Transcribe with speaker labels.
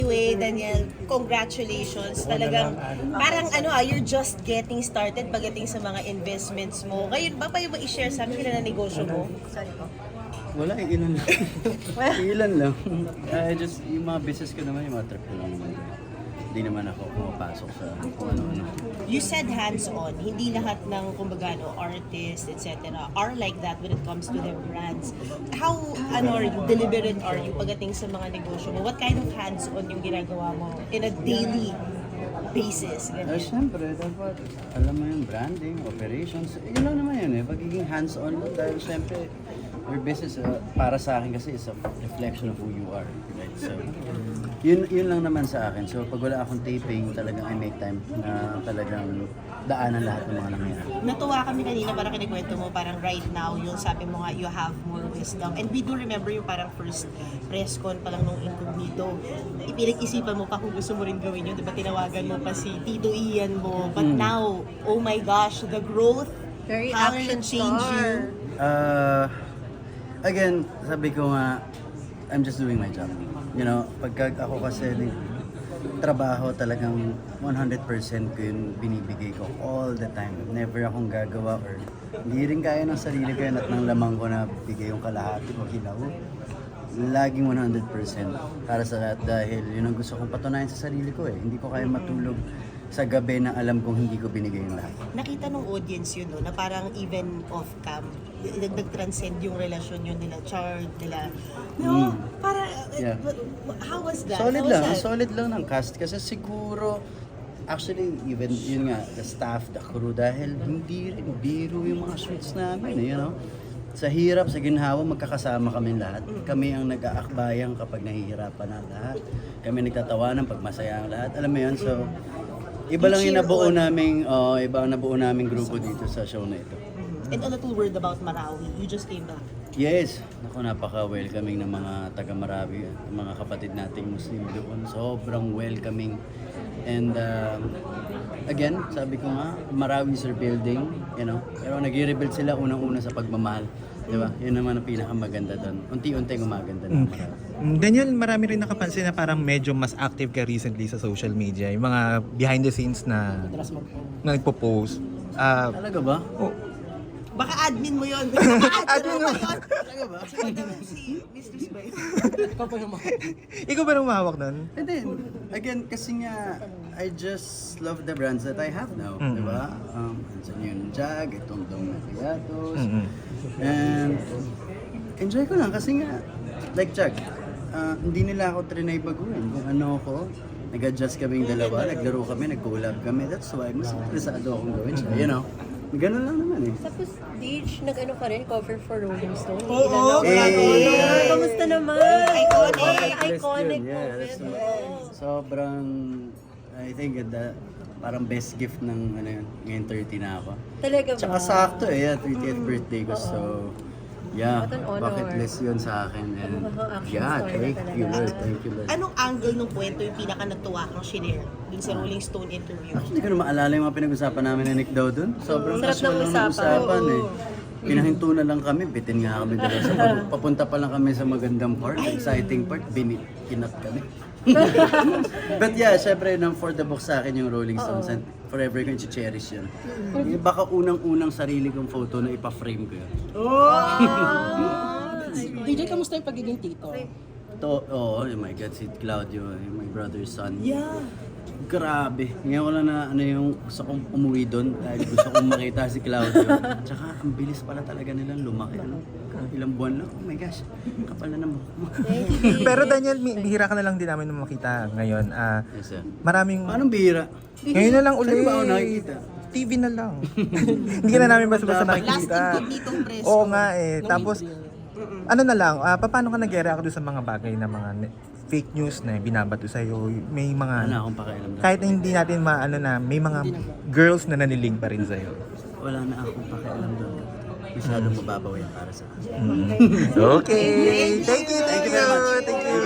Speaker 1: Anyway, Daniel, congratulations. Talagang parang you're just getting started pagdating sa mga investments mo. Ngayon ba pa yung i-share sa amin kailan na negosyo mo? Sorry po.
Speaker 2: Wala, ilan lang. Ilan lang. Yung mga business ko naman, yung mga trip ko lang naman. Hindi naman ako pumapasok sa kung ano-ano.
Speaker 1: You said hands-on. Hindi lahat ng, kumbaga, artists, etc. are like that when it comes to their brands. How, deliberate are you pagdating sa mga negosyo mo? What kind of hands-on yung ginagawa mo in a daily basis?
Speaker 2: Siyempre, dapat alam mo yung branding, operations. Yun lang naman yun pagiging hands-on lang dahil siyempre, your business para sa akin kasi is a reflection of who you are. Right? So, yun lang naman sa akin. So, pag wala akong taping, talagang I make time na talagang daanan lahat ng mga nangyayari.
Speaker 1: Natuwa kami kanina, parang kinikwento mo, parang right now, yung sabi mo nga, you have more wisdom. And we do remember yung parang first press con pa lang nung Incognito. Ipinag-isipan mo pa kung gusto mo rin gawin yun. Diba tinawagan mo pa si Tito Ian mo. But now, oh my gosh, the growth,
Speaker 3: Very
Speaker 1: how
Speaker 3: action
Speaker 1: it changed you.
Speaker 2: Again, sabi ko nga, I'm just doing my job. You know, pagka ako kasi trabaho talagang 100% ko yung binibigay ko all the time. Never akong gagawa or hindi rin kaya ng sarili ko yun at ng lamang ko na bigay yung kalahati ko hilaw. Laging 100% para sa lahat dahil yun ang gusto kong patunayan sa sarili ko Hindi ko kaya matulog sa gabi na alam kong hindi ko binigay yung lahat.
Speaker 1: Nakita ng audience yun, no, na parang even off-cam, nag-transcend yung relasyon yun nila, Chard, nila. No, para,
Speaker 2: Yeah.
Speaker 1: how was that?
Speaker 2: Solid
Speaker 1: How was
Speaker 2: lang,
Speaker 1: that?
Speaker 2: solid lang ng cast kasi siguro actually even yun nga the staff, the crew dahil hindi rin biro yung mga shoots namin Sa hirap, sa ginhawa, magkakasama kami lahat. Kami ang nag-aakbayang kapag nahihirapan na lahat. Kami nagtatawanan pag masaya ang lahat. Alam mo yun, so iba lang yung nabuo naming, iba ang nabuo naming grupo dito sa show na ito.
Speaker 1: And a little word about Marawi. You just came back.
Speaker 2: Yes, napaka-welcoming ng mga taga-Marawi, mga kapatid nating Muslim doon. Sobrang welcoming. And again, sabi ko nga, Marawi is rebuilding, Pero nag-rebuild sila unang-una sa pagmamahal. Diba? Yun naman ang pinakamaganda doon. Unti-unti gumaganda ng Marawi.
Speaker 4: Daniel, marami rin nakapansin na parang medyo mas active ka recently sa social media. Yung mga behind the scenes na nagpo-post.
Speaker 2: Talaga ba?
Speaker 1: Baka admin mo yun.
Speaker 4: Admin mo?
Speaker 2: Talaga ba?
Speaker 1: Si Mistress Bay.
Speaker 4: Ikaw ba nang mahawak nun?
Speaker 2: And then, again, kasi nga, I just love the brands that I have now, di ba? Andyan yung Jag, itong Dong Natigatos, and enjoy ko lang kasi nga, like Jag, hindi nila ako trinay baguhin. Kung ano ako, nag-adjust kaming dalawa, naglaro kami, nag-collab kami, that's why mas interesado akong gawin siya, Ganun lang naman
Speaker 3: Tapos, Dage, nag-ano ka rin, cover for Rolling Stone.
Speaker 1: Oo,
Speaker 3: Kamusta naman?
Speaker 1: Iconic.
Speaker 3: Iconic
Speaker 2: Yeah,
Speaker 3: moment.
Speaker 2: that's sobrang, I think, parang best gift ng, ngayon 30 na ako.
Speaker 3: Talaga ba?
Speaker 2: Tsaka sakto 30th birthday ko, so, yeah,
Speaker 3: What an honor.
Speaker 2: bucket list yun sa akin. And,
Speaker 3: Action
Speaker 2: yeah,
Speaker 3: star na
Speaker 2: thank you,
Speaker 3: talaga.
Speaker 2: Lord, thank you, Lord.
Speaker 1: Anong angle ng kwento yung pinaka-natuwa kang shinare dun sa Rolling Stone interview?
Speaker 2: Actually, hindi ko na maalala yung mga pinag-usapan namin ni Nick daw dun. Sobrang
Speaker 3: Sarap
Speaker 2: casual
Speaker 3: ng
Speaker 2: lang ng
Speaker 3: usapan.
Speaker 2: usapan Pinahinto na lang kami, bitin nga kami dalawa sa papunta pa lang kami sa magandang part, exciting part, kinat kami. But yeah, syempre, for the book sa akin yung Rolling Stones and forever ko yung cherish yun. Baka unang-unang sarili kong photo na ipa-frame ko yun.
Speaker 5: DJ, kamusta yung pagiging tito?
Speaker 2: Oh my God, si Claudio, my brother's son.
Speaker 1: Yeah.
Speaker 2: Grabe. Ngayon ko lang na yung gusto kong umuwi doon dahil gusto kong makita si Claudio. Tsaka ang bilis pala talaga nilang lumaki. Ilang buwan lang. Oh my gosh. Kapal na ng buhok mo.
Speaker 4: Pero Daniel, bihira ka na lang din namin na makita ngayon.
Speaker 2: Yes, sir.
Speaker 4: Maraming...
Speaker 2: Paano bihira?
Speaker 4: Ngayon na lang ulit.
Speaker 2: Saan ba ako nakikita?
Speaker 4: TV na lang. Hindi ka na namin basta-basta
Speaker 1: Last
Speaker 4: nakikita.
Speaker 1: Incognitong press.
Speaker 4: Oo nga Tapos, ano na lang, paano ka nag-react doon sa mga bagay na mga fake news na binabato sa'yo? May
Speaker 2: Wala
Speaker 4: mga...
Speaker 2: akong pakialam doon.
Speaker 4: Kahit na hindi natin may mga girls na naniling pa rin sa'yo.
Speaker 2: Wala na akong pakialam doon. Masyadong mababaw yan para sa akin.
Speaker 4: Okay. Thank you.
Speaker 2: Thank you very much.
Speaker 4: Thank you.